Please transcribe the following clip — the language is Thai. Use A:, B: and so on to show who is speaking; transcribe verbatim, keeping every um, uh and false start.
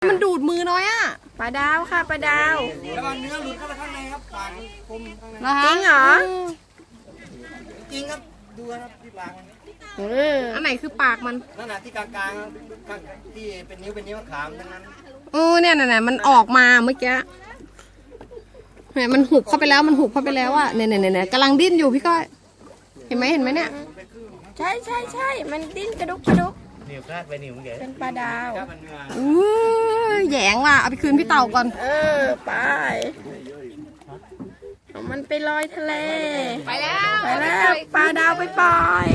A: มันดูดมือน้อยอ่ะ
B: ปลาดาวค่ะปลาดาว
C: ระวังเนื้อหลุดเข้าไปข้างในครับปากมันคมข้างใน
A: นะคะ
B: จริงเหรอ
C: จริงครับดูครับที่ปากมัน
B: เออ
A: อันไหนคือปากมัน
C: นั่นน่ะที่กลางๆครับข้างที่เป็นนิ้วเป็นนิ้วขามทั้งนั้น
A: เออเนี่ยน่ะมันออกมาเมื่อกี้เนี่ยมันหุบเข้าไปแล้วมันหุบเข้าไปแล้วอ่ะเนี่ยเนี่ยเนี่ยกำลังดิ้นอยู่พี่ก้อยเห็นไหมเห็นไหมเนี่ย
B: ใช่ใช่ใช่มันดิ้นกระดุกกระดุก
C: นิ้วคลาดไปนิ้วเก๋
B: เป็นปลาดาว
C: ครับมันเนื้อ
A: อู้แหยงว่ะเอาไปคืนพี่เต่าก่อน
B: เออไปเอามันไปลอยทะเล
A: ไปแล้ว
B: ไปแล้วปลาดาวไปปล่อย